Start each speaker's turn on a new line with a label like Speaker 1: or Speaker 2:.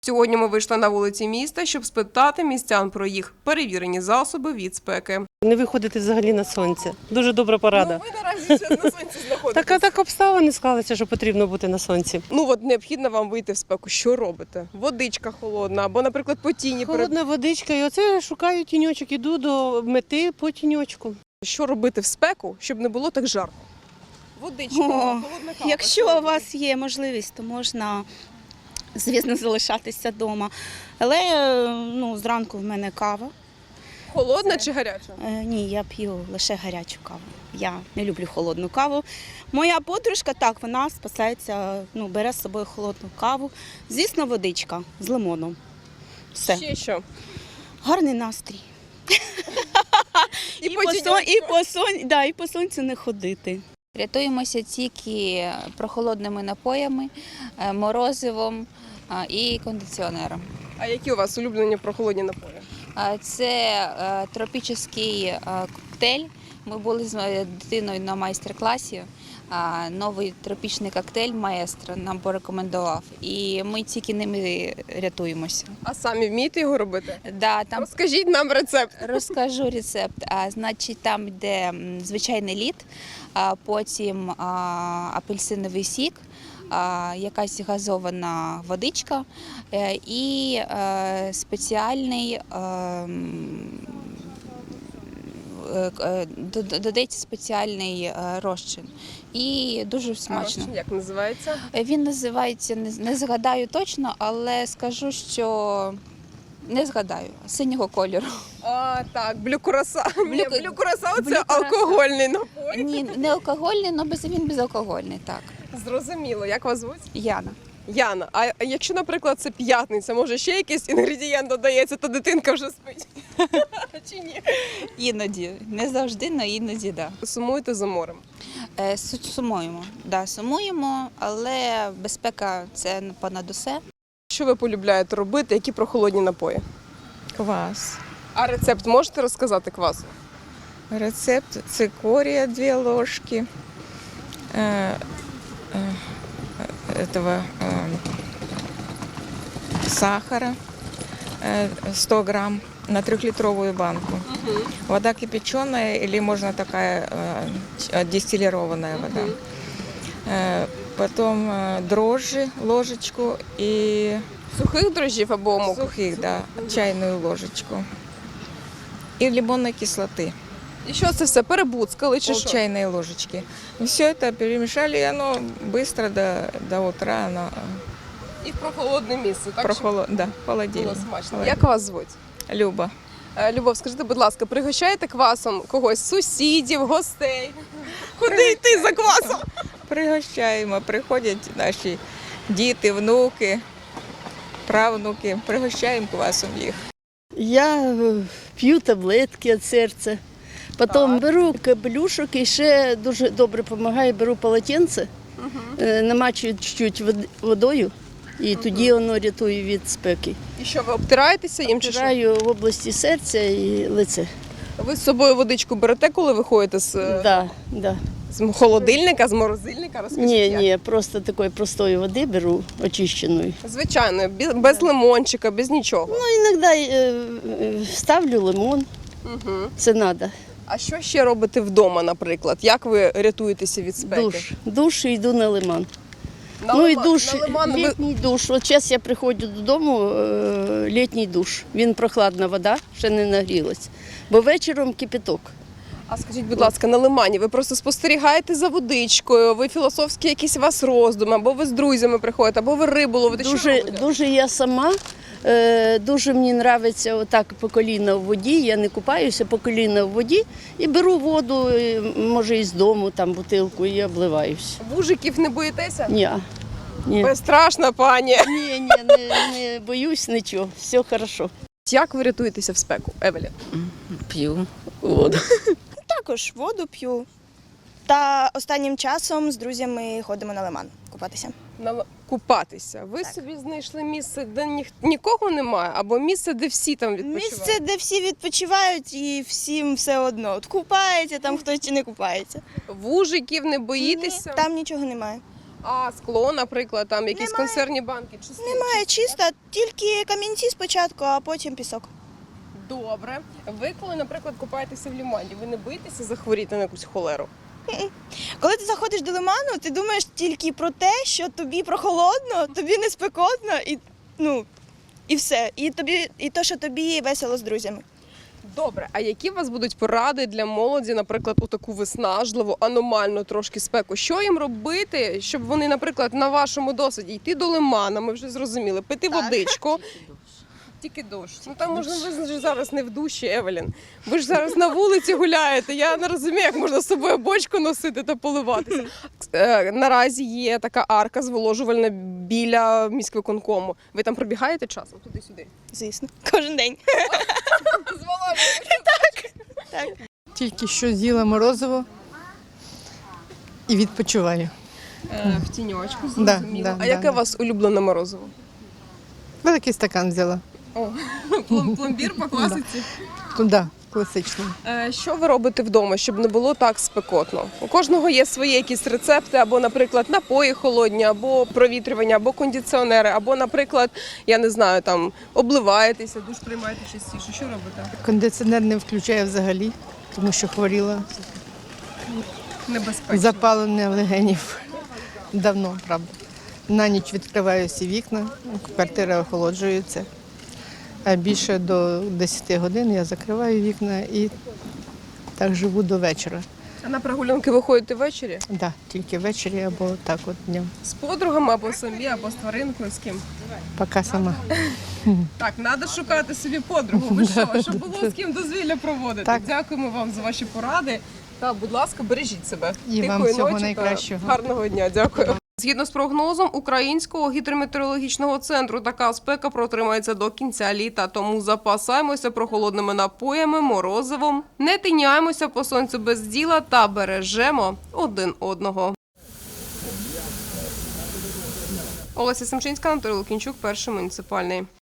Speaker 1: Сьогодні ми вийшли на вулиці міста, щоб спитати містян про їх перевірені засоби від спеки.
Speaker 2: Не виходити взагалі на сонце. Дуже добра порада.
Speaker 1: Ви наразі зараз на сонці знаходитесь.
Speaker 2: Так обставини склалися, що потрібно бути на сонці.
Speaker 1: От необхідно вам вийти в спеку. Що робите? Водичка холодна або, наприклад, по тіні.
Speaker 2: Холодна водичка, і оце шукаю тіньочок, іду до мети по тіньочку.
Speaker 1: Що робити в спеку, щоб не було так жарко? Водичка, холодна кава.
Speaker 3: Якщо у вас є можливість, то можна, звісно, залишатися вдома. Але зранку в мене кава.
Speaker 1: Холодна чи гаряча?
Speaker 3: Ні, я п'ю лише гарячу каву. Я не люблю холодну каву. Моя подружка, так, вона спасається, бере з собою холодну каву. Звісно, водичка з лимоном. Все.
Speaker 1: Ще що?
Speaker 3: Гарний настрій. І по сонцю не ходити.
Speaker 4: Рятуємося тільки прохолодними напоями, морозивом і кондиціонером.
Speaker 1: А які у вас улюблені прохолодні напої?
Speaker 4: Це тропічний коктейль. Ми були з дитиною на майстер-класі. Новий тропічний коктейль «Маестро» нам порекомендував. І ми тільки ними рятуємося.
Speaker 1: А самі вмієте його робити?
Speaker 4: Да, там
Speaker 1: Розкажіть нам рецепт.
Speaker 4: розкажу рецепт. Значить, там йде звичайний лід, потім апельсиновий сік, якась газована водичка і спеціальний додається спеціальний розчин. І дуже смачно.
Speaker 1: А як називається?
Speaker 4: Він називається, не згадаю точно, але скажу, що не згадаю, синього кольору.
Speaker 1: Так, блю-кураса. Блю-кураса – це
Speaker 4: Блю-кураса.
Speaker 1: алкогольний напій.
Speaker 4: Ні, не алкогольний, але він безалкогольний, так.
Speaker 1: Зрозуміло. Як вас звуть?
Speaker 4: Яна.
Speaker 1: Яна. А якщо, наприклад, це п'ятниця, може ще якийсь інгредієнт додається, то дитинка вже спить? Чи ні?
Speaker 4: Іноді. Не завжди, але іноді, так.
Speaker 1: Сумуєте за морем?
Speaker 4: Сумуємо. Да, сумуємо, але безпека – це понад усе.
Speaker 1: Що ви полюбляєте робити? Які прохолодні напої?
Speaker 5: Квас.
Speaker 1: А рецепт можете розказати квасу?
Speaker 5: Рецепт цикория 2 ложки, сахара 100 грамм на 3-литровую банку. Вода кипяченая или можно такая дистиллированная вода. Потом дрожжи ложечку и
Speaker 1: Сухих дрожжів або мук?
Speaker 5: сухих, да, чайную ложечку. И лимонной кислоты.
Speaker 1: І що це все? Перебуцкали чи
Speaker 5: Пол
Speaker 1: що?
Speaker 5: чайной ложечки. Все это перемешали, и оно быстро до утра оно
Speaker 1: І в прохолодне місце, так? Щоб
Speaker 5: да,
Speaker 1: було
Speaker 5: холодильник.
Speaker 1: смачно. Як вас звуть?
Speaker 5: Люба.
Speaker 1: Любов, скажіть, будь ласка, пригощаєте квасом когось, сусідів, гостей? Куди йти за квасом?
Speaker 5: Пригощаємо, приходять наші діти, внуки, правнуки. Пригощаємо квасом їх.
Speaker 6: Я п'ю таблетки від серця. Потім беру капелюшок і ще дуже добре допомагає, беру полотенце, намачую чуть-чуть водою і тоді воно рятує від спеки.
Speaker 1: І що, ви обтираєтеся їм чи що?
Speaker 6: Втираю в області серця і лице.
Speaker 1: Ви з собою водичку берете, коли виходите
Speaker 6: Да.
Speaker 1: з холодильника, з морозильника? Розкажіть, як?
Speaker 6: Ні, просто такої простої води беру, очищеної.
Speaker 1: Звичайно, без лимончика, без нічого.
Speaker 6: Іноді ставлю лимон, це треба.
Speaker 1: А що ще робите вдома, наприклад? Як ви рятуєтеся від спеки?
Speaker 6: Душ і йду на лиман. І душ, літній душ. От зараз я приходжу додому, літній душ. Він прохладна вода, ще не нагрілась. Бо вечором кипяток.
Speaker 1: А скажіть, будь ласка, на лимані ви просто спостерігаєте за водичкою, ви філософські якісь у вас роздуми, або ви з друзями приходите, або ви рибу ловите. Що робите?
Speaker 6: Дуже я сама, дуже мені подобається отак по коліна в воді, я не купаюся по коліна в воді і беру воду, може із дому, там бутилку, і обливаюся.
Speaker 1: Вужиків не боїтеся?
Speaker 6: Ні.
Speaker 1: Безстрашна пані.
Speaker 6: Ні, не боюсь нічого, все добре.
Speaker 1: Як ви рятуєтеся в спеку, Евелі?
Speaker 7: П'ю воду.
Speaker 3: Також воду п'ю. Та останнім часом з друзями ходимо на лиман купатися.
Speaker 1: Купатися. Ви собі знайшли місце, де нікого немає, або місце, де всі там відпочивають?
Speaker 3: Місце, де всі відпочивають і всім все одно. От купається, там хтось чи не купається.
Speaker 1: Вужиків не боїтеся?
Speaker 3: Ні, там нічого немає.
Speaker 1: А скло, наприклад, там якісь
Speaker 8: Немає.
Speaker 1: консервні банки? Чи
Speaker 8: Немає чисто, тільки камінці спочатку, а потім пісок.
Speaker 1: Добре. Ви коли, наприклад, купаєтеся в лимані, ви не боїтеся захворіти на якусь холеру?
Speaker 8: Коли ти заходиш до лиману, ти думаєш тільки про те, що тобі прохолодно, тобі не спекотно і все. І то, що тобі весело з друзями.
Speaker 1: Добре, а які у вас будуть поради для молоді, наприклад, у таку виснажливу, аномальну трошки спеку? Що їм робити, щоб вони, наприклад, на вашому досвіді йти до лимана, ми вже зрозуміли, пити водичку? Тільки дощ. Ну там можна, ви ж зараз не в душі, Евелін. Ви ж зараз на вулиці гуляєте. Я не розумію, як можна з собою бочку носити та поливатися. Наразі є така арка зволожувальна біля міськвиконкому. Ви там пробігаєте часом туди-сюди?
Speaker 8: Звісно, кожен день.
Speaker 2: Тільки що з'їла морозиво і відпочиваю.
Speaker 1: В тіньочку,
Speaker 2: Да,
Speaker 1: зрозуміло.
Speaker 2: да,
Speaker 1: А яке
Speaker 2: да.
Speaker 1: у вас улюблене морозиво?
Speaker 2: Великий стакан взяла.
Speaker 1: Пломбір по класиці?
Speaker 2: Туди, класичний.
Speaker 1: Що ви робите вдома, щоб не було так спекотно? У кожного є свої якісь рецепти, або, наприклад, напої холодні, або провітрювання, або кондиціонери, або, наприклад, я не знаю, там обливаєтеся, душ приймаєте частіше. Що робите?
Speaker 2: Кондиціонер не включаю взагалі, тому що хворіла.
Speaker 1: Небезпечно.
Speaker 2: Запалення легенів. Давно, правда. На ніч відкриваю всі вікна, квартира охолоджується. А більше до 10 годин я закриваю вікна і так живу до вечора.
Speaker 1: А на прогулянки ви ходите ввечері?
Speaker 2: Да, тільки ввечері або так от днем.
Speaker 1: З подругами, або самі, або з тваринкою, з ким?
Speaker 2: Поки сама.
Speaker 1: Так, треба шукати собі подругу. Ви що, щоб було з ким дозвілля проводити.
Speaker 2: Так.
Speaker 1: Дякуємо вам за ваші поради. Та, будь ласка, бережіть себе.
Speaker 2: І вам
Speaker 1: Тихої
Speaker 2: всього
Speaker 1: ночі та
Speaker 2: найкращого.
Speaker 1: гарного дня. Дякую. Згідно з прогнозом Українського гідрометеорологічного центру, така спека протримається до кінця літа, тому запасаємося прохолодними напоями, морозивом, не тиняємося по сонцю без діла та бережемо один одного. Олеся Семчинська, Анатолій Лукінчук, Перший муніципальний.